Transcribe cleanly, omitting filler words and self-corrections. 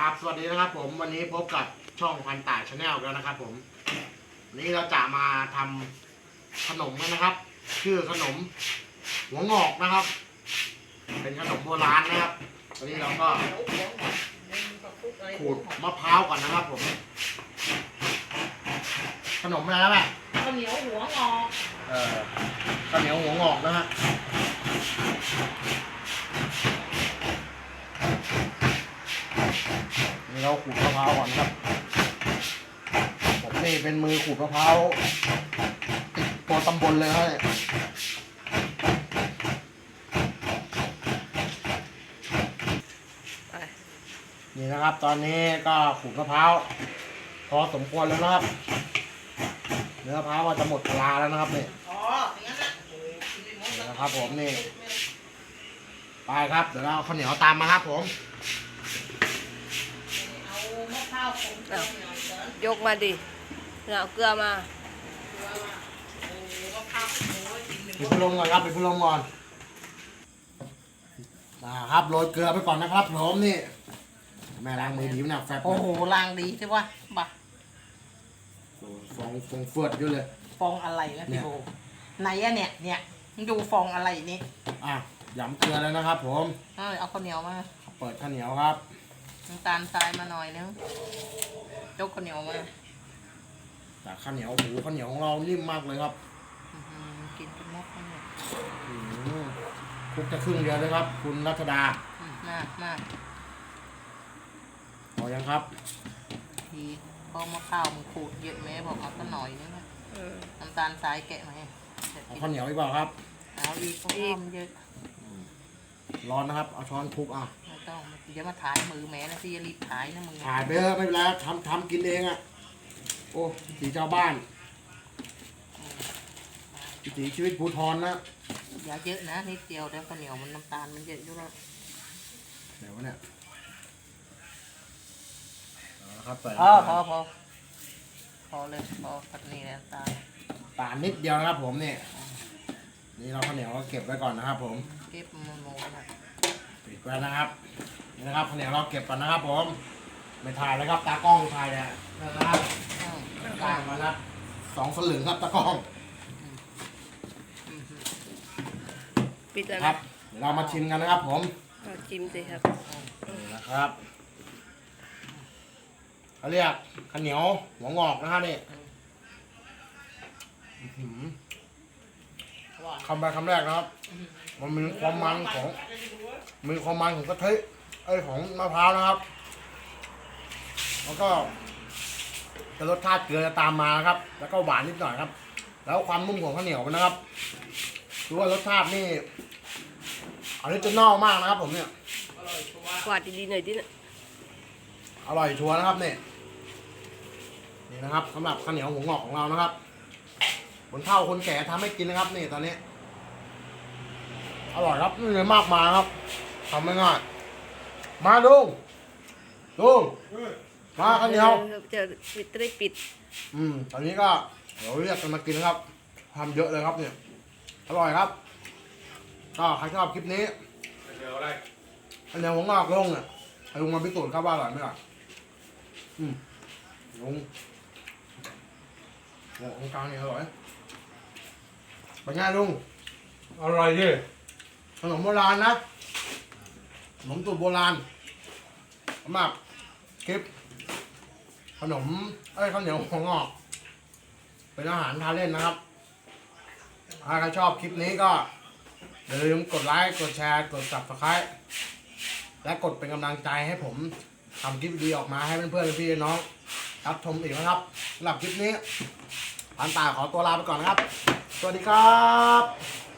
ครับสวัสดีนะครับผมวันนี้พบกับช่องพันต่ายชาแนลแล้วนะครับผมวันนี้เราจะมาทำขนมกันนะครับชื่อขนมหัวงอกนะครับเป็นขนมโบราณนะครับวันนี้เราก็ขูดมะพร้าวก่อนนะครับผมขนมอะไรนะแม่ข้าวเหนียวหัวงอกข้าวเหนียวหัวงอกนะฮะนี่เราขูดมะพร้าวก่อนครับผมนี่เป็นมือขูดมะพร้าวติดตัวตำบลเลยครับนี่นะครับตอนนี้ก็ขูดมะพร้าวพอสมควรแล้วนะครับเนื้อมะพร้าวก็จะหมดเวลาแล้วนะครับนี่นะครับผมนี่ไปครับเดี๋ยวเราข้าวเหนียวตามมาครับผมยกมาดิเอาเกลือมาปิดพัดลมก่อนครับปิดพัดลมก่อนนะครับโรยเกลือไปก่อนนะครับผมนี่แม่ล้างมือดีนะแฟบโอ้โหล้างดีใช่ปะบ่ะฟองเฟือดอยู่เลยฟองอะไรนะพี่โบไหนอะเนี่ยมึงดูฟองอะไรนี่ย้ำเกลือแล้วนะครับผมเอาข้าวเหนียวมาเปิดข้าวเหนียวครับน้ำตาลทรายมาหน่อยนึงยกข้าวเหนียวมาแต่ข้าวเหนียวหมูข้าวเหนียวของเรานิ่มมากเลยครับกินเป็นมกข้าวเหนียวคลุกจะครึ่งเดียวเลยครับคุณรัชดามาพอยังครับทีพอมะพร้าวมึงขูดเยอะไหมบอกเอาสักหน่อยนึงนะน้ำตาลทรายแกะมาให้เอาข้าวเหนียวอีกเปล่าครับเอาอีกเพราะว่ามันเยอะร้อนนะครับเอาช้อนคลุกไม่ต้องเดี๋ยวมาถ่ายมือแม่นะที่จะรีบถ่ายนะมึงถ่ายไปเถอะไม่เป็นไรทำกินเองโอ้สีเจ้าบ้านสีชีวิตภูทรนะอย่าเยอะนะนิดเดียวแต่ข้าวเหนียวมันน้ำตาลมันเยอะอยู่แล้วเดี๋ยวเนี่ยครับพอเลยพอผัดนี่น้ำตาลนิดเดียวนะครับผมนี่เราข้าวเหนียวก็เก็บไว้ก่อนนะครับผมเก็บมันโม่นะปิดไว้นะครับนี่นะครับข้าวเหนียวเราเก็บก่อนนะครับผมไม่ถ่ายแล้วครับตากล้องถ่ายเนี่ยนะครับกลางมานะ2 สลึงครับตากล้องปิดแล้วครับเดี๋ยวเรามาชิมกันนะครับผมชิมสิครับนี่นะครับเขาเรียกข้าวเหนียวหัวงอกนะฮะนี่คำแรกนะครับมันมีความมันของกะทิของมะพร้าวนะครับแล้วก็จะรสชาติเกลือจะตามมาครับแล้วก็หวานนิดหน่อยครับแล้วความนุ่มของข้าวเหนียวมันนะครับดูว่ารสชาตินี่ออริจินอลมากนะครับผมเนี่ยกวาดดีๆหน่อยดิอร่อยชัวร์นะครับนี่นะครับสำหรับข้าวเหนียวหัวงอกของเรานะครับคนเฒ่าคนแก่ทำให้กินนะครับนี่ตอนนี้อร่อยครับนี่เลยมากมายครับทำไม่ง่ายมาดูมาข้าวเหนียวจะปิดตอนนี้ก็เดี๋ยวเรียกกันมากินนะครับทำเยอะเลยครับเนี่ยอร่อยครับก็ใครชอบคลิปนี้ข้าวเหนียวหัวงอกลุงเนี่ยลุงมาพิสูจน์ครับว่าอร่อยไหมล่ะลุงของกลางเนี่ยอร่อยเป็นไงลุงอร่อยดิขนมโบราณนะขนมสูตรโบราณสำหรับคลิปขนมข้าวเหนียวหัวงอกเป็นอาหารทานเล่นนะครับถ้าใครชอบคลิปนี้ก็อย่าลืมกดไลค์กดแชร์กด Subscribe และกดเป็นกำลังใจให้ผมทำคลิปดีออกมาให้เพื่อนๆพี่น้องรับชมอีกนะครับสำหรับคลิปนี้พันตาขอตัวลาไปก่อนนะครับสวัสดีครับ